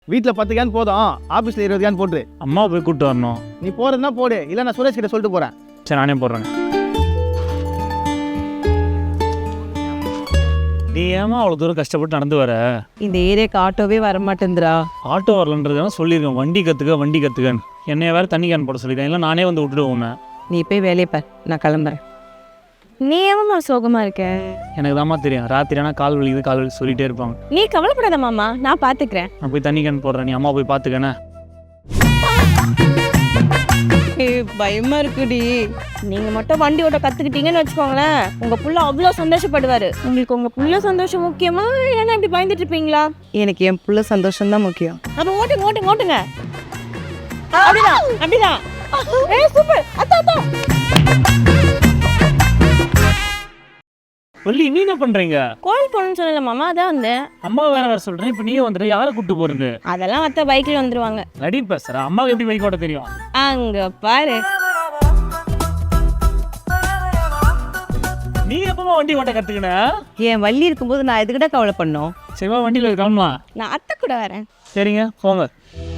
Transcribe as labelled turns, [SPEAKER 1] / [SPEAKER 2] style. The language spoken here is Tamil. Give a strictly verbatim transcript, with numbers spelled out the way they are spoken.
[SPEAKER 1] வீட்டில் பத்து கேன் போதும், ஆஃபீஸில் இருபது கேன் போட்டுரு.
[SPEAKER 2] அம்மா போய் கூப்பிட்டு வரணும்.
[SPEAKER 1] நீ போகிறதுனா போடு, இல்லை நான் சுரேஷ் கிட்ட சொல்லிட்டு போகிறேன்.
[SPEAKER 2] சரி நானே போடுறேங்க. நீ ஏமா அவ்வளோ தூரம் கஷ்டப்பட்டு நடந்து வர?
[SPEAKER 3] இந்த ஏரியாவுக்கு ஆட்டோவே வர மாட்டேங்குதுடா.
[SPEAKER 2] ஆட்டோ வரலன்றதுனால சொல்லியிருக்கேன் வண்டி கற்றுக்க வண்டி கற்றுக்கன்னு. என்னைய வேறு தண்ணி கேன் போட சொல்லியிருக்கேன், இல்லை நானே வந்து விட்டுடுவோம்.
[SPEAKER 3] நீ போய் வேலையை பார், நான் கிளம்புறேன்.
[SPEAKER 4] நீ ஏமா சோகமா இருக்க?
[SPEAKER 2] எனக்கு தாம்மா தெரியும், ராத்திரி ஆனால் கால் வலிக்குது கால் வலி சொல்லிகிட்டே இருப்பாங்க.
[SPEAKER 4] நீ கவலைப்படாத மாமா, நான் பாத்துக்கிறேன்.
[SPEAKER 2] நான் போய் தண்ணி கேன் போடுறேன், நீ அம்மா போய் பார்த்துக்கண்ணே.
[SPEAKER 3] பயமா இருக்குடி.
[SPEAKER 4] நீங்க மட்டும் வண்டி ஓட்ட கத்துக்கிட்டீங்கன்னு வச்சுக்கோங்களேன், உங்க புள்ள அவ்வளோ சந்தோஷப்படுவாரு. உங்களுக்கு உங்க புள்ள சந்தோஷம் முக்கியமா, இல்லைன்னா இப்படி பயந்துட்டு இருப்பீங்களா?
[SPEAKER 3] எனக்கு என் புள்ள சந்தோஷம் தான் முக்கியம்.
[SPEAKER 4] அப்ப ஓட்டுங்க ஓட்டுங்க ஓட்டுங்க. அப்படிதான் அப்படிதான். ஏய் சூப்பர். அத்தா அத்தா.
[SPEAKER 2] வள்ளி நீ என்ன பண்ணுறீங்க?
[SPEAKER 4] கோயில் போகணும்னு சொல்லல மாமா, அதான் வந்தேன்.
[SPEAKER 2] அம்மா வேற வேறு சொல்கிறேன், இப்போ நீயே வந்துட்டு யாரை கூப்பிட்டு போகிறது?
[SPEAKER 4] அதெல்லாம் அத்தை பைக்கில் வந்துருவாங்க.
[SPEAKER 2] நடி பேசுகிறேன், அம்மாவுக்கு எப்படி பைக் ஓட்ட தெரியும்?
[SPEAKER 4] அங்க பாரு.
[SPEAKER 2] நீ எப்பமா வண்டி ஓட்ட கற்றுக்கின?
[SPEAKER 3] என் வள்ளி இருக்கும்போது நான் எதுக்கிட்ட கவலை பண்ணோம்.
[SPEAKER 2] சரிவா வண்டியில் கிளம்பலாம்.
[SPEAKER 4] நான் அத்தை கூட வரேன்.
[SPEAKER 2] சரிங்க போங்க.